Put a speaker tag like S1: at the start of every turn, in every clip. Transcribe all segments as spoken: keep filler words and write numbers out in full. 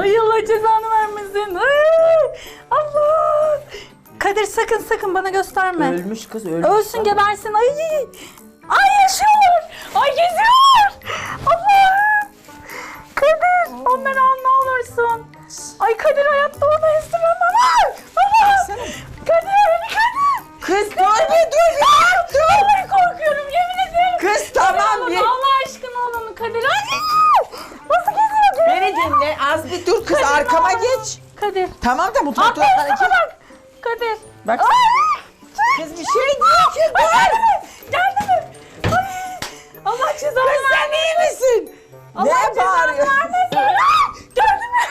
S1: Ay Allah cezanı vermesin. Ay, Allah. Kadir sakın sakın bana gösterme.
S2: Ölmüş kız ölmüş.
S1: Ölsün gebersin. Ay. Ay yaşıyor. Ay geziyor. Allah. Kadir onları al ne olursun. Ay Kadir hayatta onu istemem. Ay. Allah. Kadir. Kadir.
S2: Kız dur bir dur ya. Dur.
S1: Vallahi korkuyorum yemin ederim.
S2: Kız tamam
S1: Kadir,
S2: bir.
S1: Allah aşkına al onu Kadir. Ay. Nasıl geziyor?
S2: Beni dinle az bir dur kız
S1: Kadir,
S2: arkama
S1: ne olur.
S2: geç.
S1: Kadir.
S2: Tamam da mutfakta
S1: Atlayın
S2: hareket.
S1: sana bak. Kadir.
S2: Bak.
S1: Ay.
S2: Kız bir şey diyor ki
S1: Ay,
S2: dur.
S1: geldi mi? Geldi mi? Ay. Allah cezanı
S2: Kız sen iyi misin?
S1: Allah
S2: Ne
S1: cezanı
S2: bağırıyorsun?
S1: vermesin. Ay, gördün mü?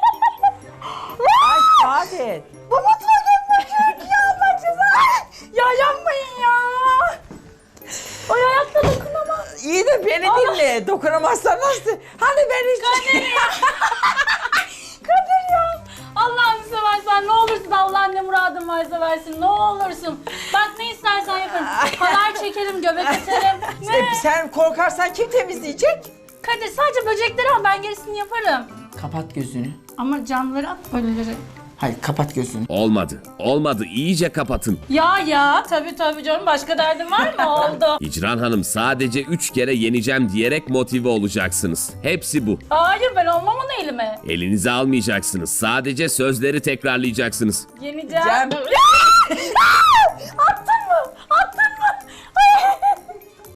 S2: Ay Saadet.
S1: Bu mutfağa gömülecek ya Allah cezanı. Ya yapmayın ya. Ay ayakta dokunamam.
S2: İyi de beni
S1: Allah.
S2: dinle. Dokunamazsan nasıl? Hani ben hiç...
S1: Kadir ya. Kadir ya. Allah'ını seversen ne olursun Allah ne muradın varsa versin ne olursun. Bak ne istersen yaparım. Haber çekerim, göbek atarım. Ne?
S2: E, sen korkarsan kim temizleyecek?
S1: Kadir sadece böcekleri al ben gerisini yaparım.
S2: Kapat gözünü.
S1: Ama canlıları at ölüleri.
S2: Hayır kapat gözünü.
S3: Olmadı. Olmadı. İyice kapatın.
S1: Ya ya tabii tabii canım başka derdin var mı? Oldu.
S3: Hicran Hanım sadece üç kere yeneceğim diyerek motive olacaksınız. Hepsi bu.
S1: Hayır ben olmam onu elime.
S3: Elinize almayacaksınız. Sadece sözleri tekrarlayacaksınız.
S1: Yeneceğim.
S2: Cem.
S1: Attı